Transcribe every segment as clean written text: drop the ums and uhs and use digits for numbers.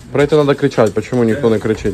Про це треба кричати, чому ніхто не кричить?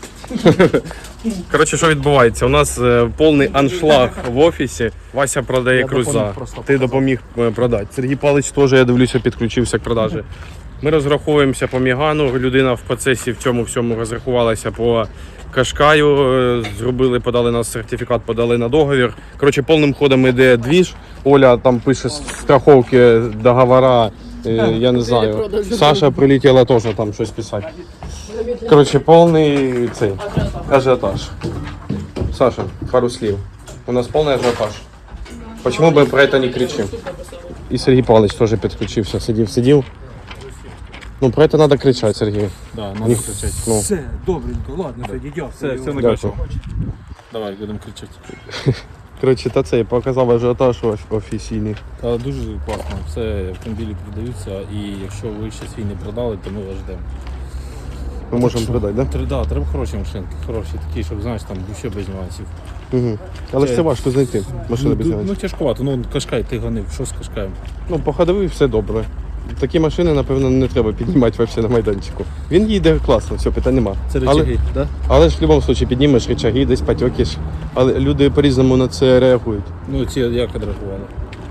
Коротше, що відбувається? У нас повний аншлаг в офісі. Вася продає круза. Ти допоміг продати. Сергій Павлович теж, я дивлюся, підключився к продажі. Ми розраховуємося по Мегану. Людина в процесі в цьому всьому розрахувалася по Кашкаю. Зробили, подали на сертифікат, подали на договір. Коротше, повним ходом йде двіж. Оля там пише страховки, договора. Я не знаю. Саша прилетіла теж там щось писати. Коротше, повний цей ажіотаж. Саша, пару слів. У нас повний ажіотаж. Почему бы про это не кричим? И Сергей Павлович тоже подключился, сидел. Ну, про это надо кричать, Сергей. Да, надо кричать. Ну. Все, добренько, ладно, тоді дякую. Все найкраще. Давай, будемо кричати. Коротше, та це я показав ажіотаж офіційний. Та дуже класно. Все автомобілі продаються, і якщо ви ще свій не продали, то ми вас ждемо. Ми можемо продати, так? Да, треба хороші машинки, хороші такі, щоб, знаєш, там ще без нюансів. Угу. Але ж це важко знайти, машини без Ну нюансів. тяжковато, ну Кашкай, ти гонив, що з Кашкаєм? Ну, по ходовій все добре. Такі машини, напевно, не треба піднімати вообще на майданчику. Він їде класно, все, питань нема. Це речаги, так? Але ж в будь-якому випадку піднімеш речаги, десь потекиш. Але люди по-різному на це реагують. Ну ці як відреагували?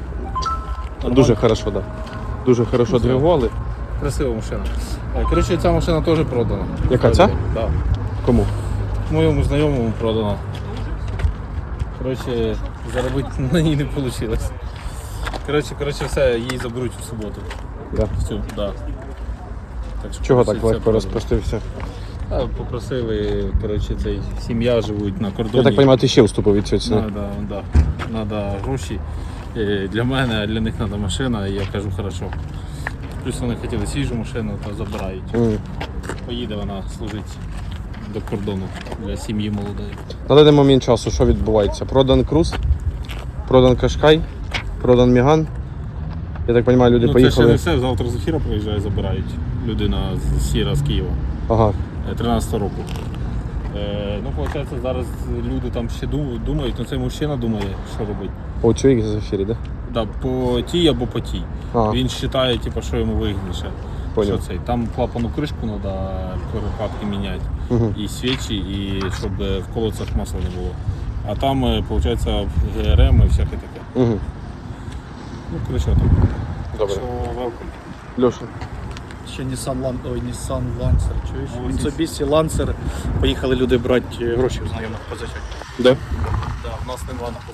Дуже хорошо, так. Да. Дуже хорошо відреагували. Красива машина. Коротше, ця машина теж продана. Яка ця? Так. Кому? Моєму знайомому продана. Коротше, заробити на ній не вийшло. Коротше, все, її заберуть у суботу. Да. Всю, да. Так що Чого просить так легко це продано. розпростився? Попросили, коротше, сім'я живуть на кордоні. Я так розумію, ти ще уступив від цього ціни? Надо гроші для мене, а для них треба машина, і я кажу, хорошо. Плюс вони хотіли свіжу машину, то забирають. Поїде вона служити до кордону для сім'ї молодої. На даний момент часу що відбувається? Продан Круз, продан Кашкай, продан Меган. Я так розумію, люди Це ще поїхали. не все, завтра з ефіра приїжджає, забирають. Людина з Сіра, з Києва, Ага. 13 року. Виходить, зараз люди там ще думають, цей мужчина думає, що робити. О, чоловік з ефірі, так? Да, по тій або по тій. Ага. Він вважає, що йому вигідніше. Понял. Що цей. Там клапану кришку треба перепадки міняти. І свічі, і щоб в колодцях масла не було. А там, виходить, ГРМ і всяке таке. Угу. Ну, коротше, там. Добре. Що, welcome. Льоша. Ще Nissan Lancer, чуєш? Mitsubishi Lancer. Поїхали люди брати гроші в знайомих позичати. Де? Да, в нас нема на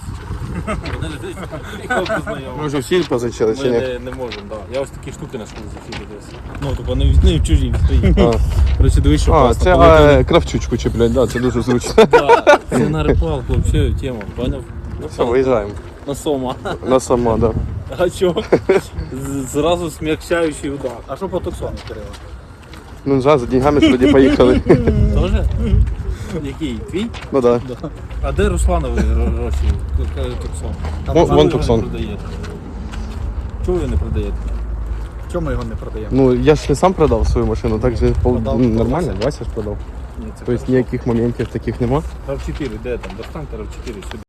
позицію. Ми вже всі позичали, чи ні? Ми не можемо, так. Я ось такі штуки знайшов за фільмі десь. Ну, тобто не в чужій стоїть. Коротше, дивись, що А, класно. це кравчучку чіплять, да, це дуже зручно. Да, це на рибалку, взагалі тема, поняв? Все, виїжджаємо. На сома. На сама, да. А чого? Зразу смягчаючий удар. А що по Туксону, Кирило? Ну, за деньгами ж тоді поїхали. Тоже? Який? Твій? Ну да. А де Русланові гроші? Туксон? Вон Туксон. Чого ви не продаєте? Чому ми його не продаємо? Ну, я ж не сам продав свою машину, так же Продав, нормально, Вася ж продав. Ні, це Тобто ніяких моментів таких нема. RAV4, де там? Достаньте RAV4 сюди.